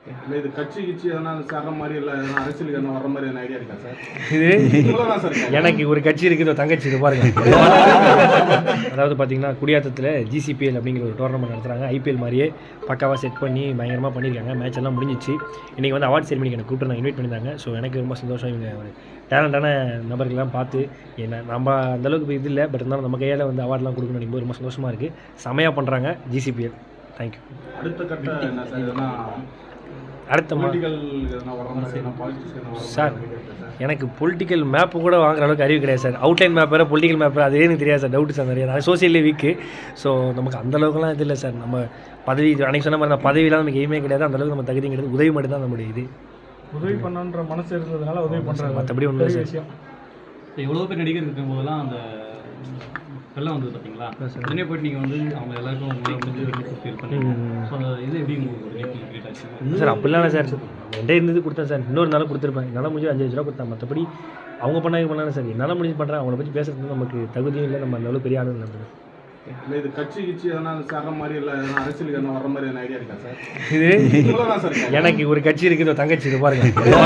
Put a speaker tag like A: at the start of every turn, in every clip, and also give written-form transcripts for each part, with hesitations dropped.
A: இல்லை இது கட்சி எதனா சேர்ற மாதிரி இல்லை எதனா அரசியலுக்கு எதனா வர்ற மாதிரி எதனா ஐடியா இருக்கா சார்?
B: இது எனக்கு ஒரு கட்சி இருக்குது, தங்கச்சி இது பாருங்க. அதாவது பார்த்தீங்கன்னா குடியாத்தத்தில் ஜிசிபிஎல் அப்படிங்கிற ஒரு டோர்னமெண்ட் நடத்துகிறாங்க. ஐபிஎல் மாதிரியே பக்காவாக செட் பண்ணி பயங்கரமாக பண்ணியிருக்காங்க. மேட்ச் எல்லாம் முடிஞ்சிச்சு. இன்றைக்கி வந்து அவார்ட் செரிமனிக்கு எனக்கு கூப்பிட்டு நான் இன்வைட் பண்ணியிருந்தாங்க. ஸோ எனக்கு ரொம்ப சந்தோஷம். இவங்க ஒரு டேலண்டான நபர்கள்லாம் பார்த்து என்ன நம்ம அந்தளவுக்கு இது இல்லை, பட் இருந்தாலும் நம்ம கையால் வந்து அவார்ட்லாம் கொடுக்கணும் நினைக்கும் ரொம்ப சந்தோஷமாக இருக்குது. செமையாக பண்ணுறாங்க ஜிசிபிஎல். தேங்க்யூ.
A: அடுத்த கட்ட என்ன சார்? எதனா
B: அடுத்த சார் எனக்கு பொலிட்டிக்கல் மேப்பு கூட வாங்குற அளவுக்கு அறிவு கிடையாது சார். அவுட்லைன் மேப் வேறு பொலிட்டிக்கல் மேப் அதே எனக்கு தெரியாது சார். டவுட்டு சார் நிறைய. நான் சோசியல்லே வீக்கு. ஸோ நமக்கு அந்தளவுக்குலாம் இது இல்லை சார். நம்ம பதவி அன்றைக்கி சொன்ன மாதிரி பதவியெலாம் நமக்கு எதுவுமே கிடையாது. அந்தளவுக்கு நம்ம தகுதி கிடையாது. உதவி மட்டும் தான் நம்மளுடைய இது.
C: உதவி பண்ணணுன்ற மனசு இருந்ததுனால உதவி பண்ணுறாங்க.
B: மற்றபடி ஒன்றும் விஷயம்.
D: எவ்வளோ பேர் நடிகர் இருக்கும் போதெல்லாம் அந்த வெள்ளம் வந்தது பார்த்தீங்களா? உடனே போய்ட்டு நீங்கள் வந்து அவங்க எல்லாருக்கும் இது எப்படி உங்களுக்கு
B: சார்? அப்படிலாம் இல்லை சார். ரெண்டே இருந்தது கொடுத்தேன் சார். இன்னொரு நாளும் கொடுத்துருப்பேன். என்னால் முடிஞ்சு 5,000 ரூபா கொடுத்தேன். மற்றபடி அவங்க பண்ணாங்க சார். என்னால் முடிஞ்சு பண்ணுறேன். அவங்கள பற்றி பேசுறது நமக்கு தகுதியும் இல்லை. நம்ம அந்த அளவுக்கு பெரிய ஆளும் இல்லை.
A: இல்லை இது கட்சி எதனா சேர்ற மாதிரி இல்லை எதனா அரசியலுக்கு எதனா வர்ற மாதிரி எதனா ஐடியா இருக்கா சார்?
B: இது எனக்கு ஒரு கட்சி இருக்குது, தங்கச்சி இது பாருங்க.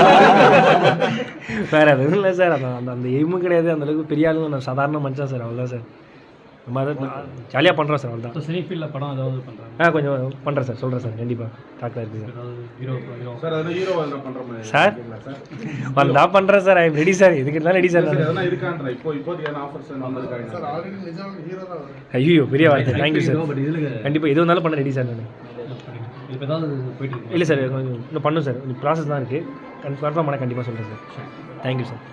B: வேறு எதுவும் இல்லை சார். அந்த எய்மும் கிடையாது. அந்தளவுக்கு பெரிய ஆளும் நான் சாதாரண மனுஷன் சார். அவ்வளோதான் சார். நம்ம அதை ஜாலியாக பண்ணுறோம் சார். அவ்வளோதான்.
D: சினி ஃபீல்டில் படம் ஏதாவது பண்ணுறாங்க?
B: கொஞ்சம் பண்ணுறேன் சார். சொல்கிறேன் சார். கண்டிப்பாக டாக்டர் இருக்குது
A: சார். ஹீரோ எதனா பண்ணுற மாதிரி
B: சார்? வந்தா பண்ணுறேன் sir. I am ready sir. இதுக்கு இருந்தாலும் ரெடி சார்.
A: எதனா இருக்கான்ற இப்போதைக்கு எதனா ஆஃபர்ஸ் வந்திருக்காங்க சார்?
B: ஐயோ பெரிய வார்த்தை. Thank you sir. கண்டிப்பாக எது வந்தாலும் பண்ண ரெடி சார். நான்
D: இப்போ ஏதாவது போயிட்டு
B: இல்லை சார். இன்னும் பண்ணும் சார். ப்ராசஸ் தான் இருக்குது. கன்ஃபார்மாக பண்ண கண்டிப்பாக சொல்கிறேன் சார். Thank you sir.